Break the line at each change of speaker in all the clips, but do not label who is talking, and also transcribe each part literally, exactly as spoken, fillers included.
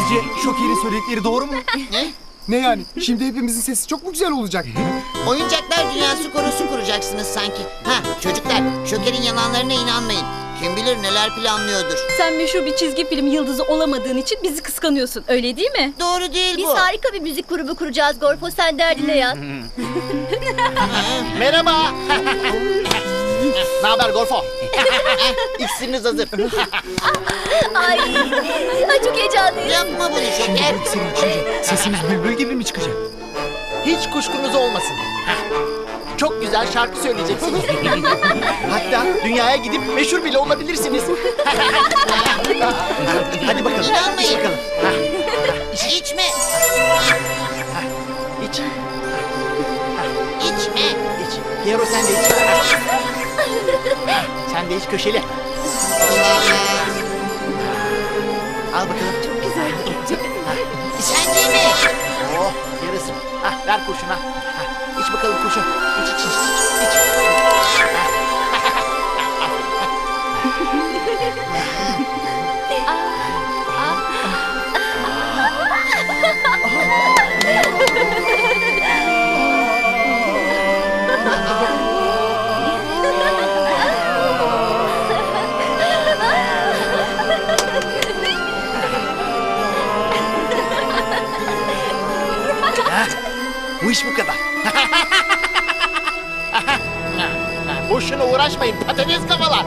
Sizce Şoker'in söyledikleri doğru mu?
Ne?
Ne yani? Şimdi hepimizin sesi çok mu güzel olacak?
Oyuncaklar dünyası korosu kuracaksınız sanki. Ha çocuklar, Şoker'in yalanlarına inanmayın. Kim bilir neler planlıyordur.
Sen meşhur bir çizgi film yıldızı olamadığın için bizi kıskanıyorsun. Öyle değil mi?
Doğru değil
Biz
bu.
harika bir müzik grubu kuracağız Gorfo, sen derdine yat.
Merhaba. Ne haber Gorfo? İksiriniz hazır.
Ay, ay çok heyecanlıyım.
Yapma bunu Şoker.
Senin içince sesimiz bülbül gibi mi çıkacak?
Hiç kuşkunuz olmasın. Çok güzel şarkı söyleyeceksiniz. Hatta dünyaya gidip meşhur bile olabilirsiniz. Hadi bakalım.
İnanmayın.
İç bakalım.
İçme.
İç.
İçme.
İç. Piero sen de iç. Sen de iç köşeli. Al bakalım. Çok güzel.
Sen de mi?
Oh yarısı. Ah, ver kurşuna. Ah, iç bakalım kurşun. İç iç iç. iç. Bu iş bu kadar. Boşuna uğraşmayın patates kafalar.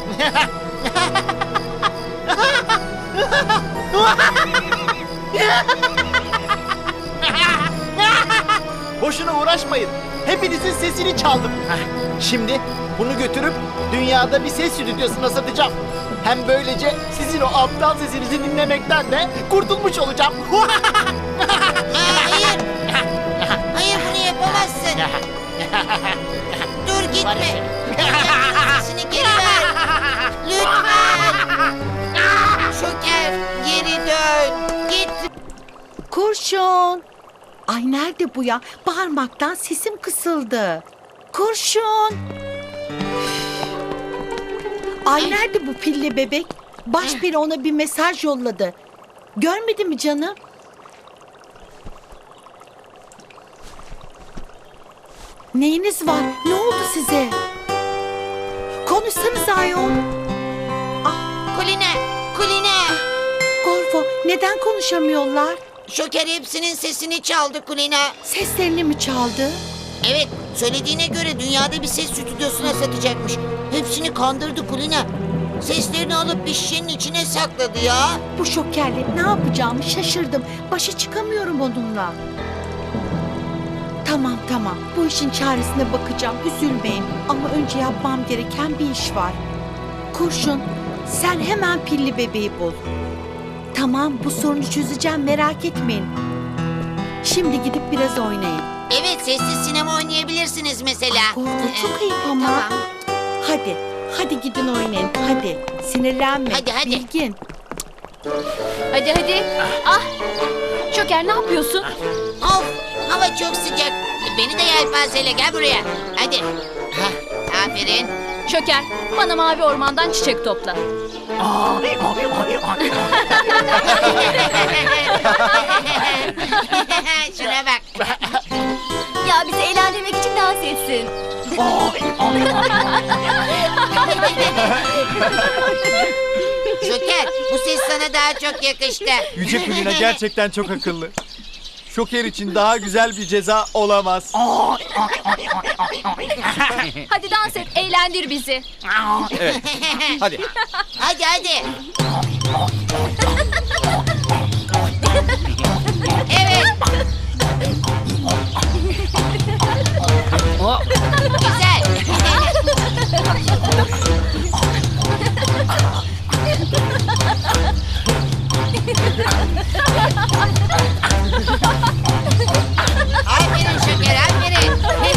Boşuna uğraşmayın. Hepinizin sesini çaldım. Şimdi bunu götürüp dünyada bir ses stüdyosuna satacağım. Hem böylece sizin o aptal sesinizi dinlemekten de kurtulmuş olacağım.
Hayır. Hayır bunu yapamazsın. Dur gitme. Sesini geri ver. Lütfen. Şoker geri dön. Git.
Kurşun. Ay nerede bu ya? Bağırmaktan sesim kısıldı. Kurşun. Ay nerede bu pilli bebek? Baş biri ona bir mesaj yolladı. Görmedi mi canım? Neyiniz var? Ne oldu size? Konuşsanız ayol.
Kuline. Kuline.
Gorfo neden konuşamıyorlar?
Şoker hepsinin sesini çaldı Kulina.
Seslerini mi çaldı?
Evet, söylediğine göre dünyada bir ses stüdyosuna satacakmış. Hepsini kandırdı Kulina. Seslerini alıp bir şişenin içine sakladı ya.
Bu şokerle ne yapacağımı şaşırdım. Başa çıkamıyorum onunla. Tamam tamam. Bu işin çaresine bakacağım. Üzülmeyin. Ama önce yapmam gereken bir iş var. Kurşun, sen hemen pilli bebeği bul. Tamam, bu sorunu çözeceğim. Merak etmeyin. Şimdi gidip biraz oynayın.
Evet, sessiz sinema oynayabilirsiniz mesela.
Gorfo çok ayıp ama.
Tamam.
Hadi, hadi gidin oynayın. Hadi, sinirlenme.
Hadi, hadi.
Bilgin.
Hadi hadi. Ah! Şoker ne yapıyorsun?
Of, hava çok sıcak. Beni de yelpazeyle gel buraya. Hadi. Hah, aferin.
Şoker bana mavi ormandan çiçek topla.
Şuna bak.
Ya bizi eğlendirmek için dans etsin.
Şoker, bu ses sana daha çok yakıştı.
Yüce Kulina gerçekten çok akıllı. Şoker için daha güzel bir ceza olamaz.
Hadi dans et, eğlendir bizi.
Evet. Hadi.
Hadi hadi. Evet. Güzel. Aferin Şoker, aferin.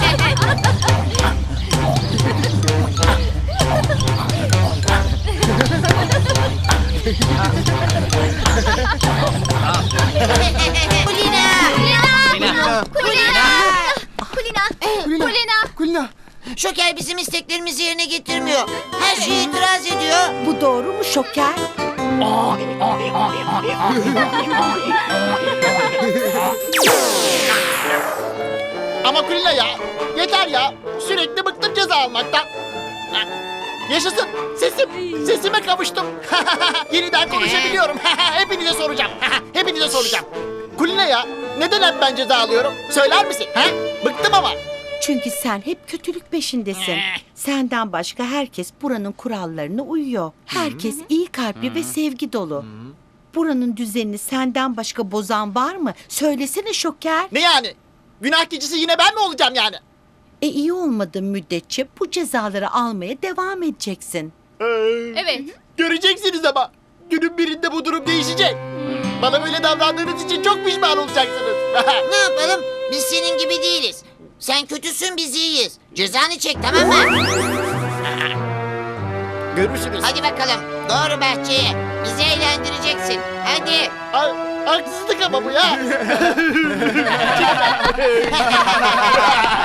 Kulina!
Kulina.
Kulina!
Kulina,
Kulina.
Kulina.
Şoker bizim isteklerimizi yerine getirmiyor. Her şeye itiraz ediyor.
Bu doğru mu şoker?
Ama Kulina ya, yeter ya. Sürekli bıktım ceza almaktan. Yaşasın, sesim, sesime kavuştum. Yeniden konuşabiliyorum. Hepinize soracağım. Hepinize soracağım. Kulina ya, neden hep ben ceza alıyorum? Söyler misin? Ha? Bıktım ama.
Çünkü sen hep kötülük peşindesin. Senden başka herkes buranın kurallarına uyuyor. Herkes iyi kalpli ve sevgi dolu. Buranın düzenini senden başka bozan var mı? Söylesene Şoker.
Ne yani? Günah keçisi yine ben mi olacağım yani?
E iyi olmadığın müddetçe bu cezaları almaya devam edeceksin.
Evet.
Göreceksiniz ama. Günün birinde bu durum değişecek. Bana böyle davrandığınız için çok pişman olacaksınız.
Ne yapalım? Biz senin gibi değiliz. Sen kötüsün, biz iyiyiz. Cezanı çek, tamam mı?
Görürsünüz.
Hadi bakalım. Doğru bahçeye. Bizi eğlendireceksin. Hadi.
Ha- haksızlık ama bu ya.